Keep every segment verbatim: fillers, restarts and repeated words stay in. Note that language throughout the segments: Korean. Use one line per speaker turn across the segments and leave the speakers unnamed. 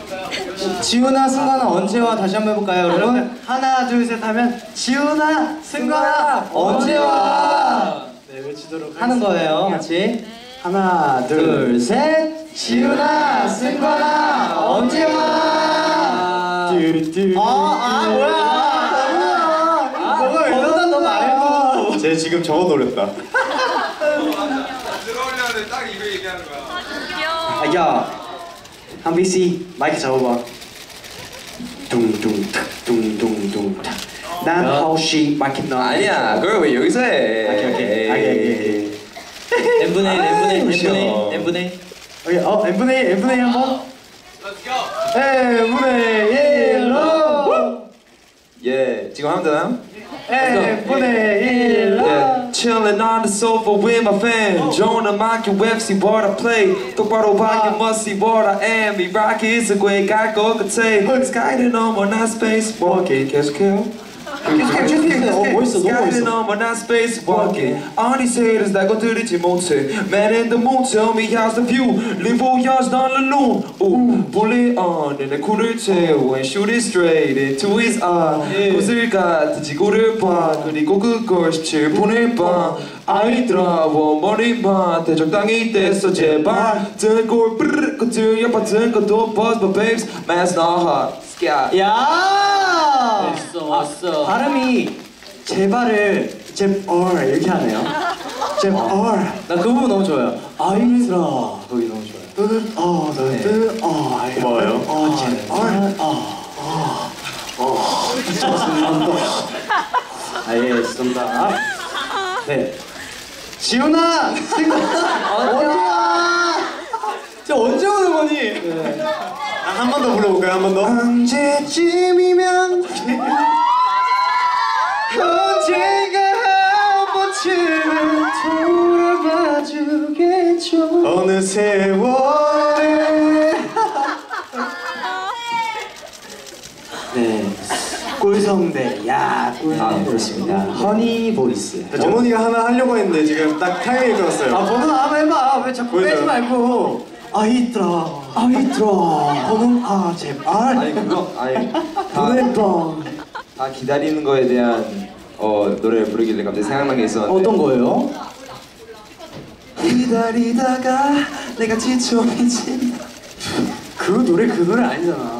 지훈아 승관아 언제 와 다시 한번 해볼까요 여러분? 하나 둘 셋 하면 지훈아 승관아 언제 와? 네 외치도록 하는 거예요 같이. 하나 둘 셋 지훈아 승관아 언제 와? 뚜뚜 아아 뭐야? 뭐가 이러다 너 말고.
쟤 지금 저거 노렸다.
들어오려는데 딱 이거 얘기하는 거야.
아, 야, 한 비씨 마이크 잡아봐. 둥둥탁 둥둥둥탁. 난 하우시 마이크 너.
아니야, 그걸 왜 여기서 해?
오케이 오케이. 오케이 오케이.
n분의 일, n분의 일, n분의 일, n분의 일.
오케이 어 n분의 일, n분의 일 한번.
Let's go.
n분의 일로.
예, 지금 하면 되나요?
n분의 일로.
Yeah. Chillin' on the sofa with my fam. Join microwave, see what I play. 똑바로 봐, you must see what I am. 이 rocky is a great guy, 것 같아. Sky는 넘어 나 space walking. 계속해요.
계속해 계속해. 어 멋있어 너무
Sky는
멋있어.
넘어 나 space walking. All these haters 날 건드리지 못해. Man in the moon, tell me how's the view. Live voyage dans le loon. Ooh, bullet on, 내 쿨을 채워 and shoot it straight into his eye. 구슬 같은 지구를 봐. 그리고 그걸 십칠 분을 봐. 아이들아 머리만 대적당이 됐어 제발. 등골 뿌르르 그 옆 같은 것도 buzz but babes man's not hot. Sky.
야.
멋있어, 멋있어.
발음이 제발을 제얼 이렇게 하네요. 제얼.
나 그 부분 너무 좋아요.
아이들아.
거기 너무 좋아요.
뜨, 어, 네. 뜨, 어, 아이,
고마워요.
어, 제발, 어, 어, 어, 좋습니다. 알겠습니다. 네. 지훈아! 언제야? 저 언제 오는 거니? 네.
한 번 더 불러볼까요? 한 번 더.
언제쯤이면 언젠가 한 번쯤은 돌아봐 주겠죠.
어느 세월에.
네. 꿀성대. 야, 꿀성대.
아, 그렇습니다.
허니 보이스.
어머니가 하나 하려고 했는데 지금 딱 타이밍이 들었어요.
아, 번호 한번 해봐. 왜 자꾸
보여줘요.
빼지 말고. 아이들아. 아이들아. 번호, 아, 제발.
아니 그거 아니 다,
보내봐.
다 기다리는 거에 대한 어 노래를 부르길래 갑자기 생각난 게 있었는데.
어떤 거예요?
기다리다가 내가 지쳐있지.
그 노래 그 노래 아니잖아.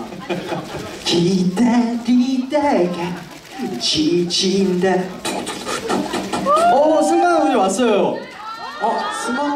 기다리다가 지친다. 어, 승관 우리 왔어요. 어, 승관